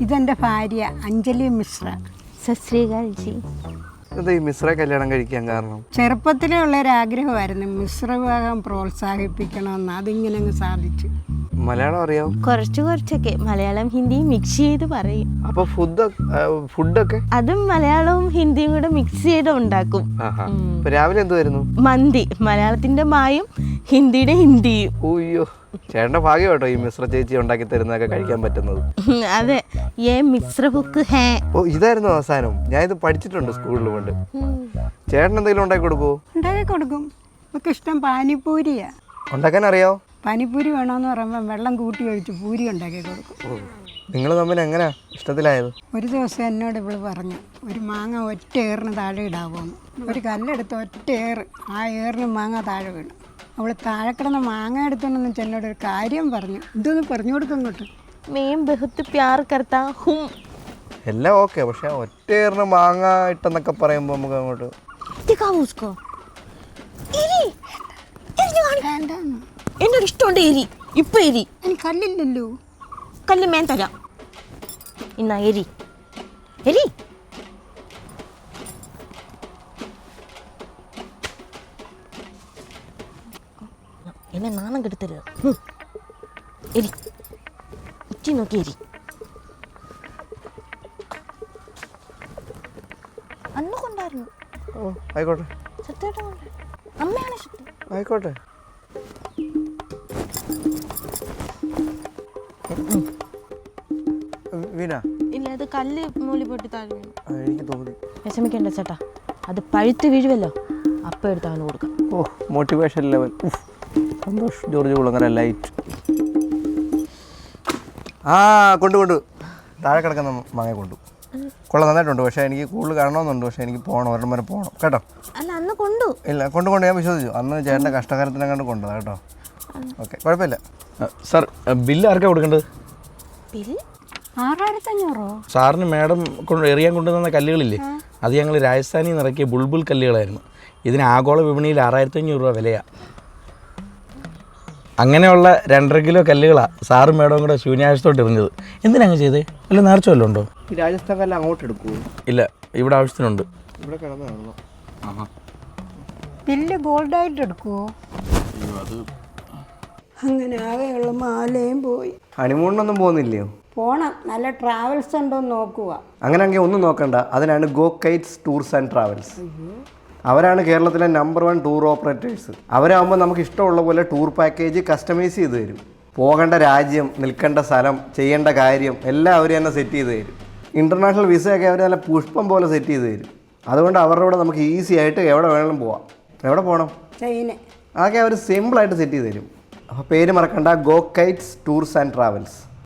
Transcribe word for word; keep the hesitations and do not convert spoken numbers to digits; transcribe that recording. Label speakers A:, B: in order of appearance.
A: ഇതെൻ്റെ ഭാര്യ അഞ്ജലി മിശ്ര.
B: സശ്രീകാൽജി.
C: എന്താ ഈ മിശ്ര കല്യാണം കഴിക്കാൻ കാരണം?
A: ചെറുപ്പത്തിലേ ഉള്ളൊരാഗ്രഹമായിരുന്നു മിശ്ര വിവാഹം പ്രോത്സാഹിപ്പിക്കണമെന്ന്. അതിങ്ങനെ അങ്ങ് സാധിച്ചു.
C: മലയാളം അറിയാം?
B: കുറച്ച് കുറച്ചൊക്കെ മലയാളം ഹിന്ദിയും മിക്സ് ചെയ്ത് പറയും.
C: അപ്പൊ ഫുഡ് ഫുഡൊക്കെ
B: അതും മലയാളവും ഹിന്ദിയും കൂടെ മിക്സ് ചെയ്ത് ഉണ്ടാക്കും.
C: രാവിലെ എന്തുവായിരുന്നു?
B: മന്തി. മലയാളത്തിന്റെ മായും ഹിന്ദിയുടെ ഹിന്ദിയും.
C: ഓയ്യോ, ചേട്ടന്റെ ഭാഗ്യം കേട്ടോ ഈ മിശ്ര ചേച്ചി ഉണ്ടാക്കി തരുന്നതൊക്കെ കഴിക്കാൻ പറ്റുന്നത്.
B: അതെ, ഏ മിശ്ര ബുക്ക് ഹേ.
C: ഓ, ഇതായിരുന്നു അവസാനം. ഞാൻ ഇത് പഠിച്ചിട്ടുണ്ട് സ്കൂളിൽ കൊണ്ട്. ചേട്ടൻ എന്തെങ്കിലും ഉണ്ടാക്കി കൊടുക്കുവോ?
A: ഉണ്ടാക്കി കൊടുക്കും. നമുക്ക് ഇഷ്ടം പാനിപ്പൂരിയാ.
C: ഉണ്ടാക്കാൻ അറിയാവോ?
A: പാനിപ്പൂരി വേണമെന്ന് പറയുമ്പോൾ വെള്ളം കൂട്ടി ഒഴിച്ച് പൂരി ഉണ്ടാക്കി കൊടുക്കും.
C: നിങ്ങൾ തമ്മിൽ എങ്ങനെയാ ഇഷ്ടത്തിലായത്?
A: ഒരു ദിവസം എന്നോട് ഇവള് പറഞ്ഞു, ഒരു മാങ്ങ ഒറ്റ ഏറിന് താഴെ ഇടാവോന്ന്. ഒരു കല്ലെടുത്ത് ഒറ്റ ഏറ്, ആ ഏറിന് മാങ്ങ താഴെ വീണു. അവൾ താഴെ കിടന്ന മാങ്ങ എടുത്തോണ്ടെന്ന് ചെന്നോട് ഒരു കാര്യം പറഞ്ഞു. ഇതൊന്ന് പറഞ്ഞു കൊടുക്കും ഇങ്ങോട്ട്.
B: മേം ബഹുത്ത് പ്യാർ കർത്താ ഹും.
C: എല്ലാം ഓക്കെ, പക്ഷെ ഒറ്റയേറിന് മാങ്ങ ഇട്ടെന്നൊക്കെ പറയുമ്പോൾ നമുക്ക് അങ്ങോട്ട്
B: എന്നോട് ഇഷ്ടമുണ്ട് എരി. ഇപ്പൊ എരി
A: എനിക്ക് കല്ലില്ലല്ലോ.
B: കല്ല് മേൻ തരാം. ഇന്നാ എരി എരി. എന്നെ നാണം കെടുത്തരുത്. എരി ഉച്ചി നോക്കി എരി. അന്ന് കൊണ്ടായിരുന്നു.
C: ഓ ആയിക്കോട്ടെ.
B: സത്യമായിട്ട് കൊണ്ട് അമ്മയാണ് സത്യം.
C: ആയിക്കോട്ടെ. വീണ
B: ഇല്ല, അത് കല്ല് മൂലി പൊട്ടി താഴെ വീണു.
C: എനിക്ക് തോന്നി.
B: വിഷമിക്കണ്ട ചേട്ടാ, അത് പഴുത്ത് വീഴുമല്ലോ, അപ്പം എടുത്ത് അവന് കൊടുക്കാം.
C: ഓ, motivation level. Santhosh George Kulangara light. ആ കൊണ്ടു കൊണ്ടു താഴെ കിടക്കുന്ന മാങ്ങ കൊണ്ടു. കൊള്ള നന്നായിട്ടുണ്ട്, പക്ഷേ എനിക്ക് കൂടുതൽ കാണണമെന്നുണ്ട്. പക്ഷേ എനിക്ക് പോകണം, ഒരെണ്ണം വരെ പോകണം കേട്ടോ.
B: അല്ല അന്ന് കൊണ്ടു.
C: ഇല്ല, കൊണ്ട് കൊണ്ട് ഞാൻ വിശ്വസിച്ചു. അന്ന് ചേട്ടൻ്റെ കഷ്ടകാലത്തിനെ കണ്ട് കൊണ്ടതാ കേട്ടോ. ഓക്കെ, കുഴപ്പമില്ല. സാർ, ബില്ല് ആർക്കാണ് കൊടുക്കേണ്ടത്?
B: ബില്ല്
A: ആറായിരത്തി അഞ്ഞൂറോ?
C: സാറിന് മാഡം കൊണ്ട് എറിയാൻ കൊണ്ടുവന്ന കല്ലുകളില്ലേ, അത് ഞങ്ങൾ രാജസ്ഥാനിൽ നിന്ന് ഇറക്കിയ ബുൾബുൾ കല്ലുകളായിരുന്നു. ഇതിന് ആഗോള വിപണിയിൽ ആറായിരത്തി അഞ്ഞൂറ് രൂപ വിലയാണ്. അങ്ങനെയുള്ള രണ്ടര കിലോ കല്ലുകളാണ് സാറും മേഡവും കൂടെ ശൂന്യാഴ്ചത്തോട്ട് എറിഞ്ഞത്. എന്തിനാണ് ചെയ്തേ? അല്ല നേർച്ച വല്ലതും ഉണ്ടോ? ഈ രാജസ്ഥാൻ കല്ല് അങ്ങോട്ട് എടുക്കുമോ? ഇല്ല, ഇവിടെ ആവശ്യത്തിനുണ്ട്. ഇവിടെ കിടന്നാണല്ലോ. ആഹാ,
A: ബില്ല് ഗോൾഡായിട്ട് എടുക്കുമോ? അങ്ങനെ ആകെയുള്ള മാലയും പോയി.
C: ഹണിമൂണിനൊന്നും പോകുന്നില്ലയോ?
A: പോണം, നല്ല ട്രാവൽസ് ഉണ്ടോ എന്ന് നോക്കുക.
C: അങ്ങനെയാണെങ്കിൽ ഒന്നും നോക്കണ്ട, അതിനാണ് go kites tours and travels. അവരാണ് കേരളത്തിലെ നമ്പർ വൺ ടൂർ ഓപ്പറേറ്റേഴ്സ്. അവരാകുമ്പോൾ നമുക്ക് ഇഷ്ടമുള്ള പോലെ ടൂർ പാക്കേജ് കസ്റ്റമൈസ് ചെയ്ത് തരും. പോകേണ്ട രാജ്യം, നിൽക്കേണ്ട സ്ഥലം, ചെയ്യേണ്ട കാര്യം എല്ലാം അവർ തന്നെ സെറ്റ് ചെയ്ത് തരും. ഇൻ്റർനാഷണൽ വിസയൊക്കെ അവർ നല്ല പുഷ്പം പോലെ സെറ്റ് ചെയ്ത് തരും. അതുകൊണ്ട് അവരുടെ കൂടെ നമുക്ക് ഈസി ആയിട്ട് എവിടെ വേണമെങ്കിലും പോവാം. എവിടെ പോകണം? ചൈന. അതൊക്കെ അവർ സിമ്പിളായിട്ട് സെറ്റ് ചെയ്ത് തരും. അപ്പോൾ പേര് മറക്കണ്ട, go kites tours and travels.